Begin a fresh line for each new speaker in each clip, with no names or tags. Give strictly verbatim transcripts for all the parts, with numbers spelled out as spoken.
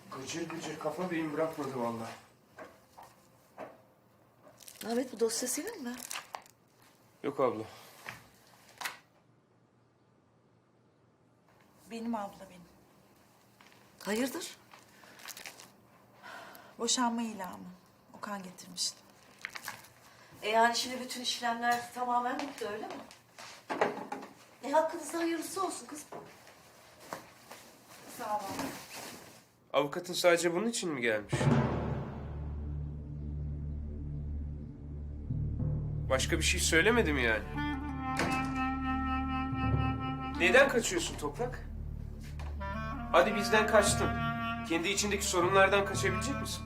Gıcır gıcır kafa beyin bırakmadı vallahi.
Ahmet, bu dosya senin mi?
Yok abla.
Benim abla benim.
Hayırdır?
Boşanma ilanı. Okan getirmişti.
E yani şimdi bütün işlemler tamamen bitti, öyle mi? E hakkınızda hayırlısı olsun kızım.
Sağ ol abla.
Avukatın sadece bunun için mi gelmiş? Başka bir şey söylemedi mi yani? Neden kaçıyorsun Toprak? Hadi bizden kaçtın. Kendi içindeki sorunlardan kaçabilecek misin?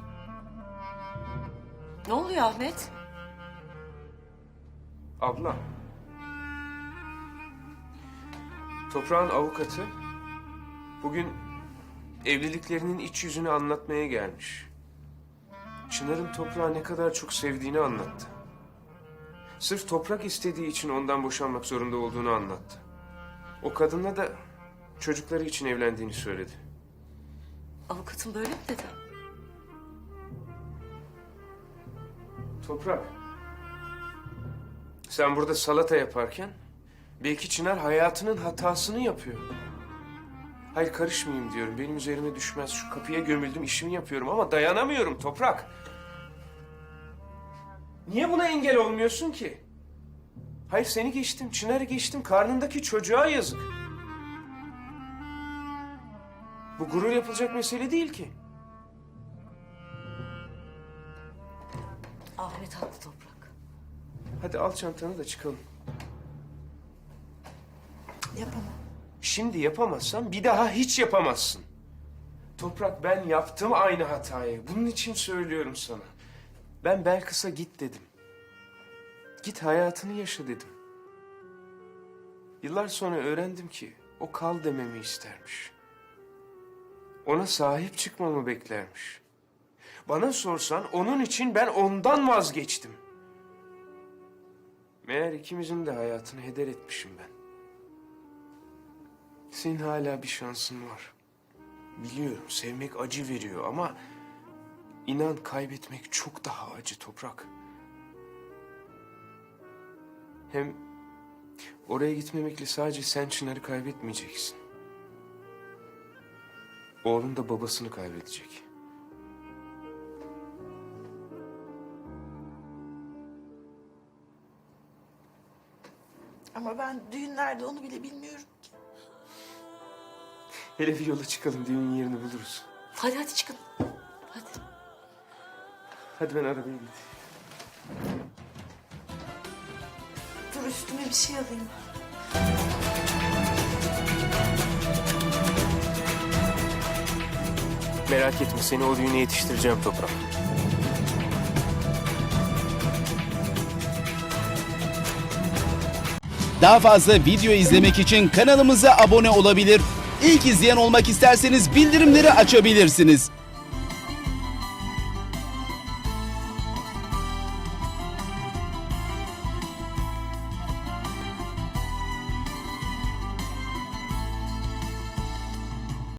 Ne oluyor Ahmet?
Abla. Toprağın avukatı bugün evliliklerinin iç yüzünü anlatmaya gelmiş. Çınar'ın Toprağı ne kadar çok sevdiğini anlattı. Sırf Toprak istediği için ondan boşanmak zorunda olduğunu anlattı. O kadınla da çocukları için evlendiğini söyledi.
Avukatın böyle mi dedi?
Toprak, sen burada salata yaparken belki Çınar hayatının hatasını yapıyor. Hayır, karışmayayım diyorum. Benim üzerime düşmez. Şu kapıya gömüldüm, işimi yapıyorum ama dayanamıyorum Toprak. Niye buna engel olmuyorsun ki? Hayır, seni geçtim, Çınar'ı geçtim. Karnındaki çocuğa yazık. Bu gurur yapılacak mesele değil ki.
Ahmet haklı Toprak.
Hadi al çantanı da çıkalım.
Yapamam.
Şimdi yapamazsan bir daha hiç yapamazsın. Toprak, ben yaptım aynı hatayı. Bunun için söylüyorum sana. Ben Belkıs'a git dedim. Git hayatını yaşa dedim. Yıllar sonra öğrendim ki o kal dememi istermiş. Ona sahip çıkmamı beklermiş. Bana sorsan onun için ben ondan vazgeçtim. Meğer ikimizin de hayatını heder etmişim ben. Senin hala bir şansın var. Biliyorum, sevmek acı veriyor ama inan kaybetmek çok daha acı Toprak. Hem oraya gitmemekle sadece sen Çınar'ı kaybetmeyeceksin. Oğlun da babasını kaybedecek.
Ama ben düğünlerde onu bile bilmiyorum ki.
Hele bir yola çıkalım, düğün yerini buluruz.
Hadi hadi çıkın. Hadi.
Hadi ben arabaya gideyim.
Dur, üstüme bir şey alayım.
Merak etme, seni o düğüne yetiştireceğim Toprak.
Daha fazla video izlemek için kanalımıza abone olabilir. İlk izleyen olmak isterseniz bildirimleri açabilirsiniz.